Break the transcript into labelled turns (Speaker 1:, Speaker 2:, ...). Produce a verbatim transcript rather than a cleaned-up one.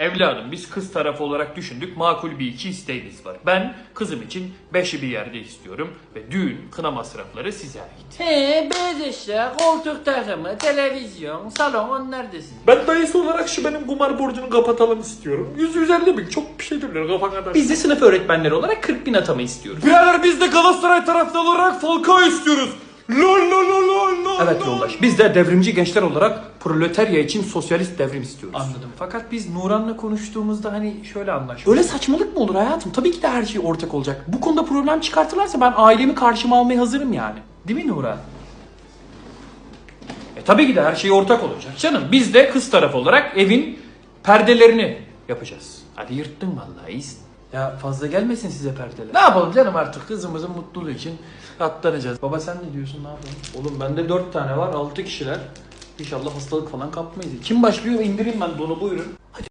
Speaker 1: Evladım biz kız tarafı olarak düşündük, makul bir iki isteğimiz var. Ben kızım için beşi bir yerde istiyorum ve düğün, kına masrafları size ait.
Speaker 2: He, beyaz eşya, koltuk takımı, televizyon, salon onlar desin.
Speaker 3: Ben dayısı olarak şu benim kumar borcunu kapatalım istiyorum. yüz yüz elli bin çok bir şey demiyor kafan kadar.
Speaker 4: Biz de sınıf öğretmenleri olarak kırk bin atama istiyoruz.
Speaker 3: Birader biz de Galatasaray taraftarı olarak Falcao istiyoruz. Lol lol lol lol lol.
Speaker 4: Evet yoldaş. Biz de devrimci gençler olarak proletarya için sosyalist devrim istiyoruz.
Speaker 2: Anladım.
Speaker 4: Fakat biz Nuran'la konuştuğumuzda hani şöyle anlaştık. Öyle saçmalık mı olur hayatım? Tabii ki de her şey ortak olacak. Bu konuda problem çıkartırlarsa ben ailemi karşıma almaya hazırım yani. Değil mi Nuran? E tabii ki de her şey ortak olacak. Canım biz de kız tarafı olarak evin perdelerini yapacağız. Hadi yırttın vallahi iyisin. Ya fazla gelmesin size perdeler. Ne yapalım canım artık kızımızın mutluluğu için katlanacağız. Baba sen ne diyorsun, ne yapalım? Oğlum bende dört tane var, altı kişiler. İnşallah hastalık falan kapmayız. Kim başlıyor? İndireyim ben donu, buyurun. Hadi.